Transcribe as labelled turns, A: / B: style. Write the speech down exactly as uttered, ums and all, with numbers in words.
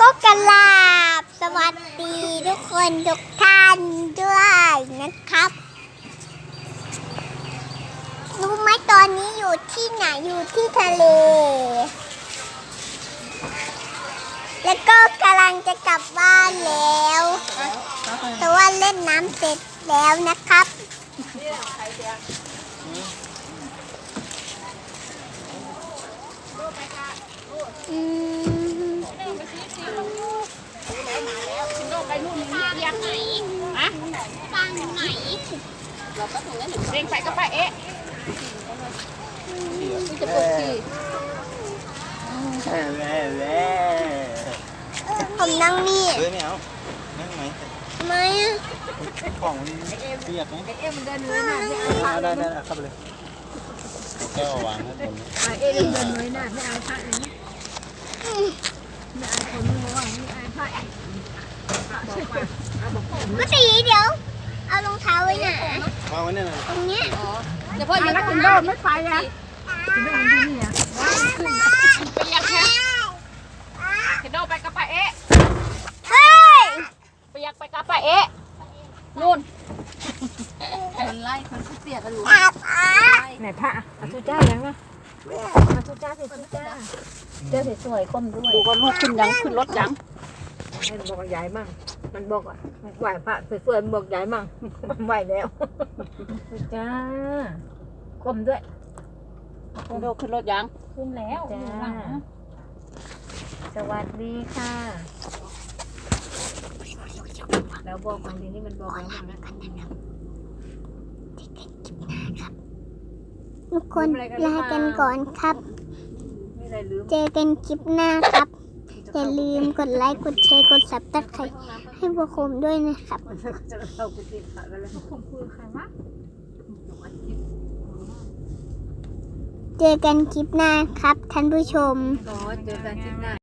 A: ก็กราบสวัสดีทุกคนทุกท่านด้วยนะครับรู้ไหมตอนนี้อยู่ที่ไหนอยู่ที่ทะเลแล้วก็กำลังจะกลับบ้านแล้วแต่ว่าเล่นน้ำเสร็จแล้วนะครับอืม
B: ไปนู่นนี่เรียกไหนฮะฟังไหนเราก็ถึงแล้วหนึ่งเร่งไปก็ไปเอ๊ะนี่จะปลุกกี่
A: ผมนั่งนี่
C: เฮ้ยไม่เอานั่งไหม
A: ทำไมอ่ะ
C: ของเปียกไหม
B: เอ๊ะมันเดินเลยนะไม่เอา
C: ได้ได้ได้เข้าไปเลยแก้ววางข้างบน
B: เอ๊ะเดินเลยนะไม่เอาพระเลยนะไม่เอาคนไม่ว่าไม่เอาพระ
A: ก็ตีเดี๋ยวเอารองเท้าไว้ไหน
C: วางไว้เนี่ยนะ
A: ตรงเนี้ย
B: เดี๋ยวพ่อยังขึ้นโดดไม่ไปอ่ะไม่เอาที่นี่อ่ะขึ้นไปยังแค่ขึ้นโดดไปกับไปเอ๊ะ
A: เฮ้ย
B: ไปยังไปกับไปเอ๊ะนู่นคนไล่คนเสียกันอยู่
A: อาบอาบ
B: ไหนพระอาทุจ้ายังนะอาทุจ้าสิทุจ้าเจ้าสวยๆก้มด้วยดูว่าลูกขึ้นยังขึ้นรถยังให้มันบอกใหญ่มั่งมันบอกว่าไหวพระสวยๆมันบอกใหญ่มั่งมันไหวแล้วทุจ้าก้มด้วยคุณโดขึ้นรถยังขึ้นแล้วจ้าสวัสดีค่ะแล้วบอกบางทีนี่มันบอกแล้วนะ
A: ทุกคนลากันก่อนครับ
B: ไม่ได้ลืม
A: เจอกันคลิปหน้าครับ อย่าลืมกดไลค์ กดแชร์ กดซับสไครบ์ให้พวกผมด้วยนะครับ
B: จะเราไปติดขากันแล้วผมคุยใครวะ
A: เจอกันคลิปหน้าครับท่านผู้ชม
B: อ๋อเจอกันที่หน้า